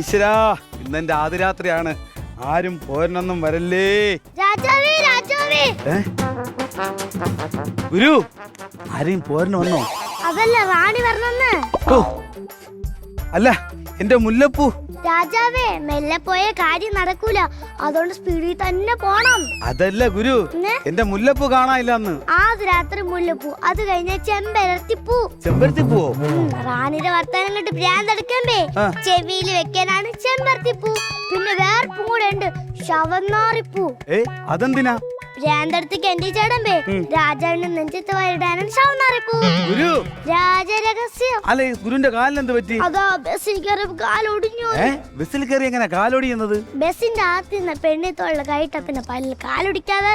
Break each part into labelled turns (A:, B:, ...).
A: ഈശ്വരാ, ഇന്നെന്റെ ആദ്യരാത്രിയാണ്. ആരും പോരനൊന്നും വരല്ലേ.
B: രാജാവേ, രാജാവേ.
A: ഗുരു, ആരെയും പോരന് വന്നോ?
B: അതല്ല, റാണി വരണമെന്ന്.
A: ഓ, അല്ല എന്റെ മുല്ലപ്പൂ.
B: രാജാവേ, മെല്ലെ പോയ കാര്യം നടക്കൂല, അതുകൊണ്ട് സ്പീഡിൽ തന്നെ പോണം.
A: അതല്ല ഗുരു, എന്റെ മുല്ലപ്പൂ കാണാനില്ല അന്ന്.
B: ആദ്യ രാത്രി മുല്ലപ്പൂ, അത് കഴിഞ്ഞ ചെമ്പരത്തിപ്പൂ.
A: ചെമ്പരത്തിപ്പൂ?
B: റാണിയുടെ വർത്താനം കണ്ട് ഭ്രാന്തെടുക്കണ്ടേ, ചെവിയിൽ വെക്കാനാണ് ചെമ്പരത്തിപ്പൂ. പിന്നെ വേറെ പൂ കൂടെ ഉണ്ട്, ശവന്നാറിപ്പൂ.
A: അതെന്തിനാ?
B: ഭ്രാന്തെടുത്ത് കെണ്ടി ചേടമ്പേ, രാജാവിന്റെ നെഞ്ചത്ത് വരിടാനാണ് ശവന്നാറിപ്പൂ.
A: ഗുരു,
B: രാജരഹസ്യം.
A: അല്ലെ ഗുരുവിന്റെ കാലിന് എന്ത് പറ്റി?
B: അതാ ബസ്സിൽ കയറി കാലൊടിഞ്ഞു.
A: ബസ്സിൽ കയറി എങ്ങനെ കാലൊടിയുന്നത്?
B: ബസ്സിന്റെ അകത്ത് നിന്ന് പെണ്ണിത്തോളുടെ കൈട്ട പിന്നെ പല്ലിൽ കാലൊടിക്കാതെ.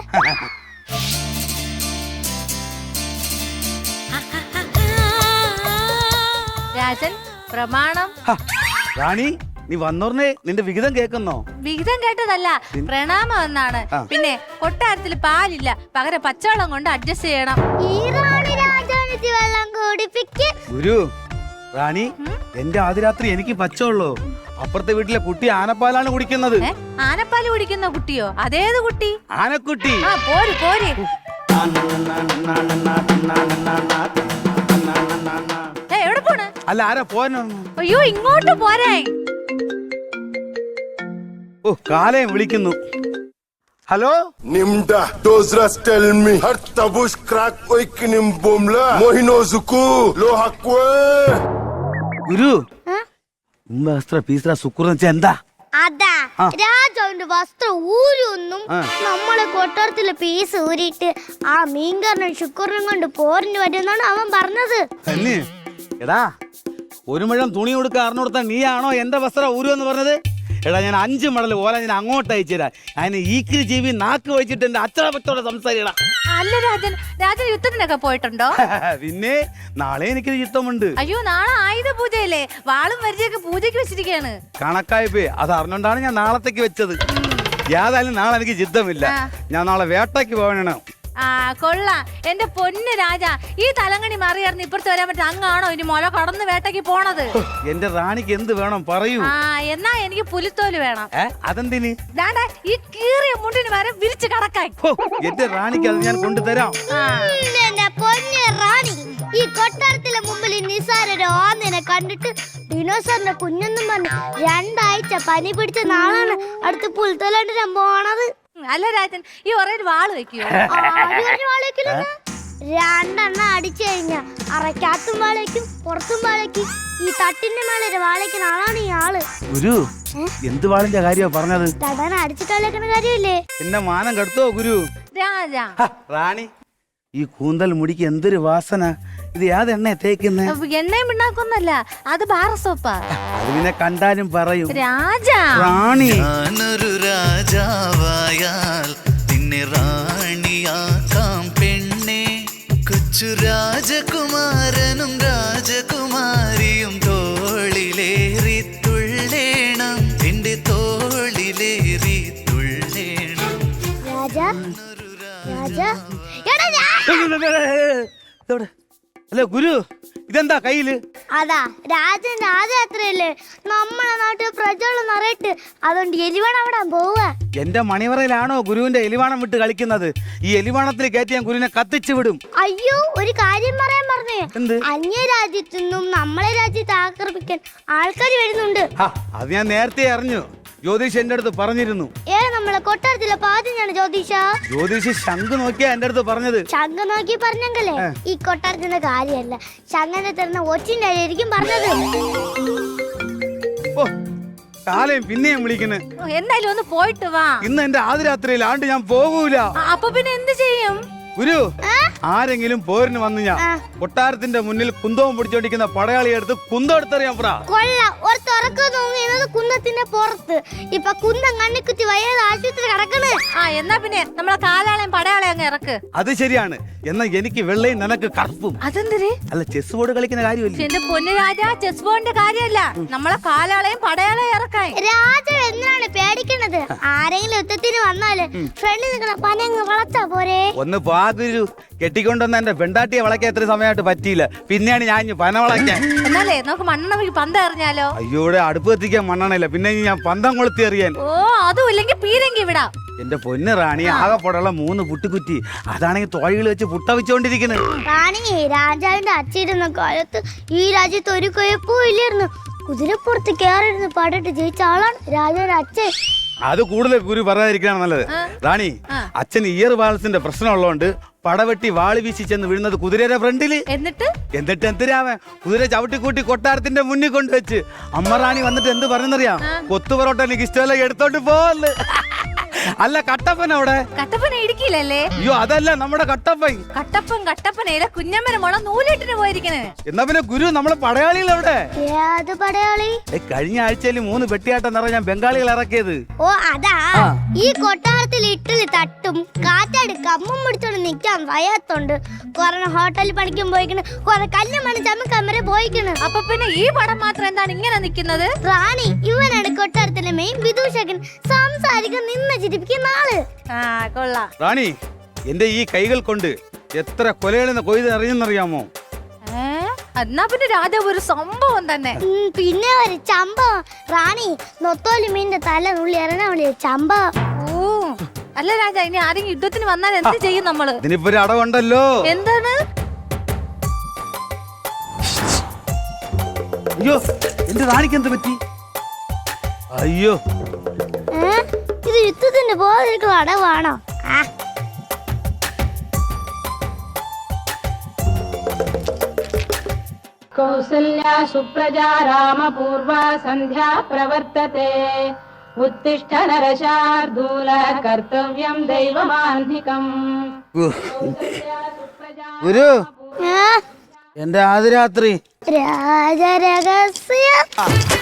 C: രാജൻ, പ്രമാണം.
A: റാണി, നീ വന്നോർന്നേ നിന്റെ വിഹിതം കേൾക്കുന്നോ?
C: വിഹിതം കേട്ടതല്ല, പ്രണാമം എന്നാണ്. പിന്നെ കൊട്ടാരത്തിൽ പാലില്ല, പകരം പച്ചവെള്ളം കൊണ്ട് അഡ്ജസ്റ്റ് ചെയ്യണം.
B: ഈ റാണി രാജാവിന് വെള്ളം കുടിപ്പിക്കും.
A: ഗുരു, റാണി, എന്റെ ആദ്യരാത്രി എനിക്ക് പച്ചവെള്ളോ? അപ്പുറത്തെ വീട്ടിലെ കുട്ടി ആനപ്പാലാണ് കുടിക്കുന്നത്.
C: ആനപ്പാല് കുടിക്കുന്ന കുട്ടിയോ? അതേത് കുട്ടി?
A: ആനക്കുട്ടി.
C: പോര് പോര്. എവിടെ പോണ്?
A: അല്ല, ആരാ പോനോ?
C: അയ്യോ, ഇങ്ങോട്ട് പോരേ.
A: ഓ, കാലയും വിളിക്കുന്നു. Hello.
D: Nimda dozras tell me har tabush crack oikinim bomla mohino zuku lo hakwe.
A: ഗുരു, വസ്ത്ര പീസ്ര സുക്കൂർന്ന് വെച്ചാ എന്താ?
B: അതാ രാജാവിന്റെ വസ്ത്രം ഊരൊന്നും നമ്മളെ കൊട്ടാരത്തിലെ പീസ് ഊരിയിട്ട് ആ മീൻകാരനും ശുക്രനും കൊണ്ട് പോരിന് വരുമെന്നാണ് അവൻ പറഞ്ഞത്.
A: തന്നെ? എടാ, ഒരു മുഴം തുണി കൊടുക്കാൻ അറിഞ്ഞുകൊടുത്താ നീയാണോ എന്റെ വസ്ത്രം ഊരുവെന്ന് പറഞ്ഞത്? എടാ, ഞാൻ 5 മടൽ ഓല ഞാൻ അങ്ങോട്ട് അയച്ചുതരാം. അതിന് ഈക്കിരി ജീവി നാക്ക് വെച്ചിട്ട് എന്റെ അച്ഛനപ്പത്തോടെ സംസാരിക്കടാ.
C: അല്ല രാജൻ, രാജൻ യുദ്ധത്തിനൊക്കെ പോയിട്ടുണ്ടോ?
A: പിന്നെ നാളെ എനിക്ക് യുദ്ധമുണ്ട്.
C: അയ്യോ, നാളെ ആയുധ പൂജയല്ലേ? വാളും വരിചയൊക്കെ പൂജയ്ക്ക് വെച്ചിരിക്കുകയാണ്.
A: കണക്കായിപ്പോയി. അത് അറിഞ്ഞോണ്ടാണ് ഞാൻ നാളത്തേക്ക് വെച്ചത്. യാതായാലും നാളെ എനിക്ക് യുദ്ധമില്ല. ഞാൻ നാളെ വേട്ടയ്ക്ക് പോകണം.
C: കൊള്ളാം എന്റെ പൊന്ന് രാജ. ഈ തലങ്ങണി മറിയറിഞ്ഞ് ഇപ്പുറത്ത് വരാൻ പറ്റും. അങ്ങാണോ ഇനി മുല കടന്ന് വേട്ടയ്ക്ക് പോണത്?
A: എന്റെ റാണിക്ക് എന്ത് വേണം പറയൂ.
C: എന്നാ എനിക്ക് പുലിത്തോല് വേണം.
A: അതെന്തിന്?
C: ഈ കീറിയ മുണ്ടിന് വരെ വിരിച്ച് കടക്കാൻ.
A: എന്റെ റാണിക്ക് അത് ഞാൻ കൊണ്ടുതരാം.
B: എന്റെ പൊന്ന് റാണി, ഈ കൊട്ടാരത്തിലെ മുമ്പിൽ നിസാരൊരു ഓന്നിനെ കണ്ടിട്ട് ഡിനോസറിന്റെ കുഞ്ഞെന്നും പറഞ്ഞു 2 ആഴ്ച പനി പിടിച്ച നാളാണ് അടുത്ത് പുൽത്തോലാണ്ട് പോണത്.
C: അല്ല രാജൻ, ഈ ഒരേ വാള് വെക്കോ?
B: 2 അടിച്ചു കഴിഞ്ഞ അറയ്ക്കകത്തും വാളേക്കും പുറത്തും വാളേക്കും. ഈ തട്ടിന്റെ മേലെ വാളേക്കുന്ന ആളാണ് ഈ ആള്.
A: ഗുരു, എന്ത് വാളിന്റെ കാര്യമാ പറഞ്ഞത്?
B: തടാൻ അടിച്ചിട്ടേക്കുന്ന കാര്യമില്ലേ?
A: എന്നെ മാനം കെടുത്തോ ഗുരു?
C: രാജ,
A: റാണി, ഈ കൂന്തൽ മുടിക്ക് എന്തൊരു വാസന. ഇത് യാത് എണ്ണ തേക്കുന്നേ?
C: എണ്ണയും പിണ്ണാക്കൊന്നല്ല, അത് ബാർ സോപ്പാ.
A: അത് പിന്നെ കണ്ടാലും പറയും.
C: രാജ,
A: റാണി,
E: ഞാനൊരു രാജാവായാൽ നിന്നെ റാണിയാക്കാം പെണ്ണെ. കൊച്ചു രാജകുമാരനും രാജകുമാരിയും തോളിലേറി തുള്ളേണം, എന്റെ തോളിലേറി തുള്ളേണം.
B: രാജാ, രാജാ,
A: അല്ല ഗുരു, ഇതെന്താ കയ്യില്?
B: അതാ രാജന്റെ ആദ്യയാത്രയല്ലേ, നമ്മളെ നാട്ടിൽ പ്രജകളും നിറയിട്ട്, അതുകൊണ്ട് എലിവണം വിടാൻ പോവുക.
A: എന്റെ മണിവറയിലാണോ ഗുരുവിന്റെ എലിവാണം വിട്ട് കളിക്കുന്നത്? ഈ എലിവാണത്തിൽ കയറ്റി ഞാൻ ഗുരുവിനെ കത്തിച്ചു വിടും.
B: അയ്യോ, ഒരു കാര്യം പറയാൻ പറഞ്ഞേ.
A: എന്ത്?
B: അന്യ രാജ്യത്തു നിന്നും നമ്മളെ രാജ്യത്തെ ആക്രമിക്കാൻ ആൾക്കാർ വരുന്നുണ്ട്.
A: അത് ഞാൻ നേരത്തെ അറിഞ്ഞു. ജ്യോതിഷ് എന്റെ അടുത്ത് പറഞ്ഞിരുന്നു.
B: നമ്മളെ കൊട്ടാരത്തിലെ പാതിഞ്ഞാണ് ജ്യോതിഷ.
A: ജ്യോതിഷ് ശംഖ് നോക്കിയാ എന്റെ അടുത്ത് പറഞ്ഞത്.
B: ശംഖ് നോക്കി പറഞ്ഞെങ്കിലേ ഈ കൊട്ടാരത്തിന്റെ കാര്യമല്ല, ശംഖനെ തരുന്ന ഒച്ചിന്റെ ആയിരിക്കും പറഞ്ഞത്.
A: ഓ, കാലയും പിന്നെയും വിളിക്കുന്നു.
C: എന്തായാലും ഒന്ന് പോയിട്ട് വാ.
A: ഇന്ന് എന്റെ ആദ്യരാത്രിയിൽ ആണ്ട് ഞാൻ പോകൂല.
C: അപ്പൊ പിന്നെ എന്ത് ചെയ്യും?
A: ഗുരു, ആരെങ്കിലും പോരിന് വന്നു ഞാൻ കൊട്ടാരത്തിന്റെ മുന്നിൽ കുന്തവും പിടിച്ചോണ്ടിരിക്കുന്ന പടയാളിയെ എടുത്ത് കുന്തം എടുത്തറിയാൻ പറ.
B: കൊള്ളാം, ഒരു തുറക്കം തോന്നിയത് കുന്നത്തിന്റെ പുറത്ത്. ഇപ്പൊ കുന്തം കണ്ണിക്കുത്തി വയ്യാതെ ആശുപത്രി കിടക്കണ്.
C: എന്നാ പിന്നെ നമ്മളെ കാലാളെയും പടയാളെയും അങ്ങ് ഇറക്ക്.
A: അത് ശരിയാണ്. എന്നാ എനിക്ക് വെള്ളയും നിനക്ക് കറുപ്പും.
C: അതെന്തിന്?
A: അല്ല, ചെസ് ബോർഡ് കളിക്കുന്ന കാര്യമില്ല.
C: എന്റെ പൊന്നു രാജ, ചെസ് ബോർഡിന്റെ കാര്യമല്ല, നമ്മളെ കാലാളെയും പടയാളെയും ഇറക്കാൻ.
B: രാജ എന്തിനാണ് പേടിക്കണത്? ആരെങ്കിലും യുദ്ധത്തിന് വന്നാല് ഫ്രണ്ടിൽ നിൽക്കണ പനങ്ങ് വളർത്താ പോരെ.
A: ഒന്ന് ഗുരു, കെട്ടിക്കൊണ്ടുവന്ന എന്റെ പെണ്ടാട്ടിയെ വളയ്ക്കാൻ എത്ര സമയമായിട്ട് പറ്റിയില്ല. പിന്നെയാണ് ഞാൻ ഇനി പന വളയ്ക്കാൻ.
C: എന്നാലേ നമുക്ക് മണ്ണെണ്ണ പന്ത് എറിഞ്ഞാലോ?
A: അയ്യോടെ അടുപ്പ് കത്തിക്കാൻ മണ്ണെണ്ണയില്ല, പിന്നെ ഇനി ഞാൻ പന്തം കൊളുത്തി എറിയാൻ.
C: ഓ അതും ഇല്ലെങ്കിൽ പീരങ്കി വിടാം.
A: എന്റെ പൊന്ന് റാണി, ആകെപ്പോടുള്ള 3 പുട്ടുകുറ്റി, അതാണെങ്കിൽ തോഴികൾ വെച്ച് പുട്ട വെച്ചോണ്ടിരിക്കുന്നത്.
B: റാണി, രാജാവിന്റെ അച്ഛയിരുന്ന കാലത്ത് ഈ രാജ്യത്ത് ഒരു കുഴപ്പവും ഇല്ലായിരുന്നു. കുതിരപ്പുറത്ത് കയറിയിരുന്ന് പാടിട്ട് ജയിച്ച ആളാണ് രാജാവിന്റെ അച്ഛൻ.
A: അത് കൂടുതൽ ഗുരു പറയാതിരിക്കാണ് നല്ലത്. റാണി, അച്ഛൻ ഇയർ ബാലൻസിന്റെ പ്രശ്നം ഉള്ളതുകൊണ്ട് പടവെട്ടി വാളി വീശി ചെന്ന് വീഴുന്നത് കുതിരയുടെ ഫ്രണ്ടില്. എന്നിട്ട് എന്തിനാവൻ കുതിര ചവിട്ടിക്കൂട്ടി കൊട്ടാരത്തിന്റെ മുന്നിൽ കൊണ്ടുവച്ച് അമ്മ റാണി വന്നിട്ട് എന്ത് പറഞ്ഞെന്നറിയാം? കൊത്തു പൊറോട്ട എനിക്ക് ഇഷ്ടമല്ല, എടുത്തോണ്ട് പോവല്ലേ. അല്ല കട്ടപ്പൻ അവിടെ.
C: കട്ടപ്പന ഇടുക്കിയിലല്ലേ?
A: അയ്യോ അതല്ല, നമ്മുടെ കട്ടപ്പൻ.
C: കട്ടപ്പനയിലെ കുഞ്ഞമ്മന മോളെ നൂലിട്ടിന് പോയിരിക്കണേ.
A: എന്നാ പിന്നെ ഗുരു നമ്മളെ പടയാളികൾ എവിടെ?
B: ഏത് പടയാളി?
A: കഴിഞ്ഞ ആഴ്ചയിൽ 3 പെട്ടിയാട്ടം നിറ ഞാൻ ബംഗാളികൾ ഇറക്കിയത്.
B: ഓ അതാ. ഈ കൊട്ടാരത്തിൽ ഇട്ടല് തട്ടും കാറ്റാടി കമ്മും പിടിച്ചോണ്ട് നിക്കാൻ വയ്യാത്തോണ്ട് കൊറേ ഹോട്ടലിൽ പണിക്കും പോയിക്കണ്, കൊറേ കല്ലുമണി ചമ്മക്കമ്മരെ പോയിക്കണ്.
C: അപ്പൊ പിന്നെ ഈ പടം മാത്രം എന്താണ് ഇങ്ങനെ നിക്കുന്നത്?
B: റാണി, ഇവനാണ് കൊട്ടാരത്തിലെ മെയിൻ വിദൂഷകൻ. സംസാരിക്കാൻ നിന്ന് ചിരിപ്പിക്കുന്ന ആള്.
C: കൊള്ളാം.
A: റാണി, എന്റെ ഈ കൈകൾ കൊണ്ട് എത്ര കൊലകളിന്ന് കൊയ്ത് അറിയുന്നറിയാമോ?
C: എന്നാ പിന്നെ രാജാവ് ഒരു സംഭവം തന്നെ.
B: പിന്നെ ഒരു ചമ്പം. റാണി, നൊത്തോലി മീനിന്റെ തല നുള്ളി എറിഞ്ഞ ചമ്പം.
C: ഓ അല്ല രാജാ, ഇനി ആരെങ്കിലും യുദ്ധത്തിന് വന്നാൽ എന്ത് ചെയ്യും നമ്മള്?
A: ഇതിനിപ്പോ ഒരു അടവുണ്ടല്ലോ.
C: എന്താണ്?
A: അയ്യോ, എന്റെ റാണിക്ക് എന്ത് പറ്റി? അയ്യോ,
B: ഇത് യുദ്ധത്തിന് പോകാതിരിക്കും അടവാണോ?
F: कौसल्या सुप्रजा रामपूर्वा सन्ध्या प्रवर्तते उत्तिष्ठ नरशार्दूल कर्तव्यं दैवमान्धिकम्
A: ഗുരു, എന്റെ ആദ്യ രാത്രി
B: രാജരഹസ്യം.